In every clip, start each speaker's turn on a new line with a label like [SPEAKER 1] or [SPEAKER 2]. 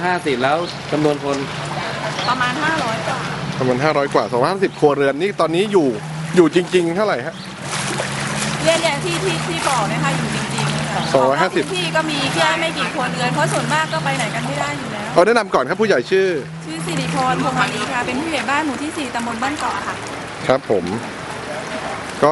[SPEAKER 1] 250แล้วจำนวนคน
[SPEAKER 2] ประมาณ500 กว่า
[SPEAKER 3] ประมาณ500 กว่า250 ครัวเรือนนี่ตอนนี้อยู่จริงๆเท่าไหร่ฮะ
[SPEAKER 2] เนี่ยที่บอกนะคะอยู่จริงๆค่ะ
[SPEAKER 3] 250
[SPEAKER 2] ที่ก็มีแค่ไม่กี่ครัวเรือนเพราะส่วนมากก็ไปไหนกันไม่ได้อยู่แล้ว
[SPEAKER 3] เอาแนะนำก่อนครับผู้ใหญ่ชื่อ
[SPEAKER 2] สิริพร พงศ์มาลีค่ะเป็นผู้ใหญ่บ้านหมู่ที่4ตำบลบ้านเกาะค่ะ
[SPEAKER 3] ครับผมก็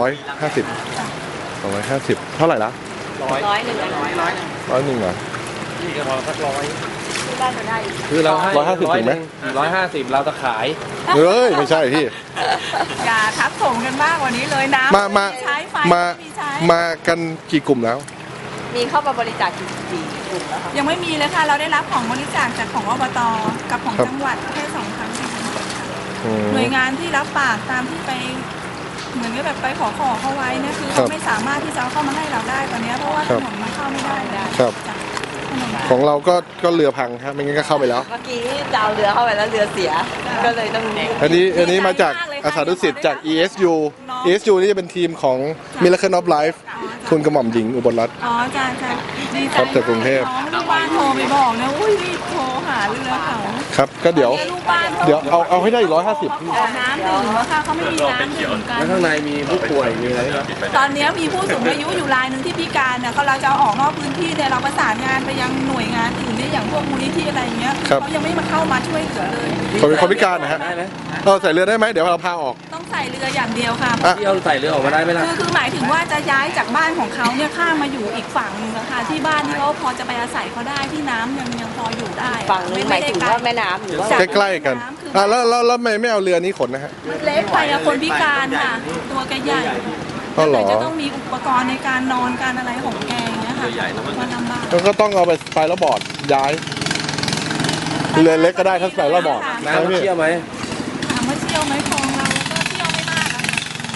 [SPEAKER 3] 250เท่าไหร่ละ
[SPEAKER 2] 100 100
[SPEAKER 3] 100เหรอ
[SPEAKER 1] นี่ก็พอสัก100
[SPEAKER 2] ที่บ้านจะได้
[SPEAKER 1] คือเราให้
[SPEAKER 3] 150ถึงไหม
[SPEAKER 1] 150เราจะขาย
[SPEAKER 3] เฮ้ยไม่ใช่พี่
[SPEAKER 2] อย่าทับถมกันมากกว่านี้เลยนะใช้ไฟ
[SPEAKER 3] มากันกี่กลุ่มแล้ว
[SPEAKER 2] มีเข้ามาบริจาคกี่กลุ่มแล้วคะยังไม่มีเลยค่ะเราได้รับของบริจาคจากของอบต.กับของจังหวัดแค่2 ครั้งหน่วยงานที่รับปากตามที่ไปเหมือนกับแบบไปขอเขาไว้เนี่ยคือเขาไม่สามารถที่จะเข้ามาให้เราได้ตอนนี้เพราะว่าถนนมันเข้าไม่ได้
[SPEAKER 3] ครับของเราก็เรือพังครับไม่งั้นก็เข้าไปแล้ว
[SPEAKER 2] เมื่อกี้จะเอาเรือเข้าไปแล้วเรือเสียก็เลยต้อง
[SPEAKER 3] อันนี้มาจากอาสาดุสิตจาก ESU นี่จะเป็นทีมของ Miracle of Life คุณกระหม่อมหญิงอุบลรัตน์
[SPEAKER 2] อ๋อจ้าดีใจ
[SPEAKER 3] จากกรุงเทพ
[SPEAKER 2] ลูกบ้านโทรไปบอกนะอุ้ยรีบโทรหาเรือเขา
[SPEAKER 3] ครับก็เดี๋ยวเอาให้ได้อีก150
[SPEAKER 2] พี่น้ำดื่มแล้วค่ะเขาไม่มีน้ำดื่มกัน
[SPEAKER 1] แล้วข้างในมีผู้ป่วยมีอะไรครับ
[SPEAKER 2] ตอนนี้มีผู้สูงอายุอยู่รายหนึ่งที่พิการเนี่ยเราจะออกนอกพื้นที่เนี่ยเราประสานงานไปยังหน่วยงานอื่นเนี่ยอย่างพวกมูลนิธิอะไรเงี้ยเขายังไม่มาเข้ามาช่วยเหลือเลย
[SPEAKER 3] คนพิการนะฮะใส่เรือได้ไหมเดี๋ยวเราพาออก
[SPEAKER 2] ต้องใส่เรืออย่างเดียวค่ะ
[SPEAKER 1] ที่เอาใส่เรือออกมาได้ไหมล่ะ
[SPEAKER 2] คือหมายถึงว่าจะย้ายจากบ้านของเขาเนี่ยข้ามมาอยู่อีกฝั่งนึงนะคะที่บ้านที่เขาพอจะไปอาศัยเขาได้ที่น้ำยังพออยู่ได้
[SPEAKER 4] ฝั่งนึงหมายถึงว่าแม่น้ำหรือว่า
[SPEAKER 3] ใกล้ๆกันแล้วไม่เอาเรือนี้ขนนะฮะ
[SPEAKER 2] เล็กไปนะคนพิการค่ะตัวแกใหญ่จะต้องมีอุปกรณ์ในการนอนการอะไรของแกอย่างเงี้ยค่ะมันลำบาก
[SPEAKER 3] แล้วก็ต้องเอาไปแล้วบอร์ดย้ายเรือเล็กก็ได้ถ้าใส่แล้วบอร์ด
[SPEAKER 1] น้ำเชี่ยวไหม
[SPEAKER 2] ถามว่าเชี่ยวไหมคลองเราก็เชี่ยวไม่มากนะ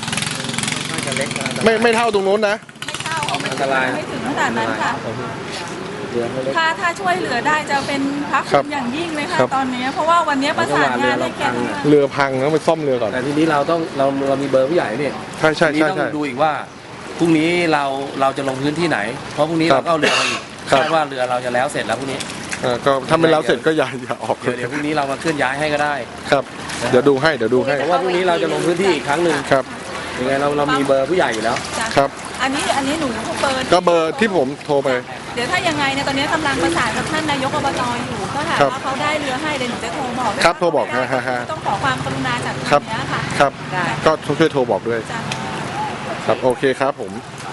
[SPEAKER 3] ไม่เท่าตรงนู้นนะ
[SPEAKER 2] ไม่เท่าอันตรายไม่ถึงขนาดนั้นค่ะถ้าช่วยเหลือได้จะเป็นพระคุณอย่างยิ่งเลยค่ะตอนนี้เพราะว่าวันนี้ประสานงานให้แก
[SPEAKER 3] เรือพังแล้วไปซ่อมเรือก่อน
[SPEAKER 1] แต่ทีนี้เรามีเบอร์ผู้ใหญ่เนี่ย
[SPEAKER 3] ใช่
[SPEAKER 1] ต้องดูอีกว่าพรุ่งนี้เราจะลงพื้นที่ไหนเพราะพรุ่งนี้เราก็เอาเรือมาอีกคาดว่าเรือเราจะแล้วเสร็จแล้วพรุ่งนี้
[SPEAKER 3] ก็ถ้าไม่แล้วเสร็จก็อย่าออก
[SPEAKER 1] เดี๋ยวพรุ่งนี้เรามาเคลื่อนย้ายให้ก็ได้
[SPEAKER 3] ครับเดี๋ยวดูให้
[SPEAKER 1] เพราะว่าพรุ่งนี้เราจะลงพื้นที่อีกครั้งหนึ่ง
[SPEAKER 3] ครับ
[SPEAKER 1] ยังไงเรามีเบอร์ผู้ใหญ่อยู่แล้ว
[SPEAKER 3] ครับ
[SPEAKER 2] อันนี้หนู
[SPEAKER 3] เบอร์ที่ผมโทรไป
[SPEAKER 2] เดี๋ยวถ้ายังไงเนี่ยตอนนี้กำลังประสานกับท่านนายกอบต.อยู่ก็ถามว่าเขาได้เรือให้เดี๋ยวหนูจะโทรบอก
[SPEAKER 3] ครับโทรบอก
[SPEAKER 2] ต้องขอความกรุณาจาก
[SPEAKER 3] ทาง
[SPEAKER 2] นี้ค่ะ
[SPEAKER 3] ครับก็ช่วยโทรบอกด้วยครับโอเคครับผม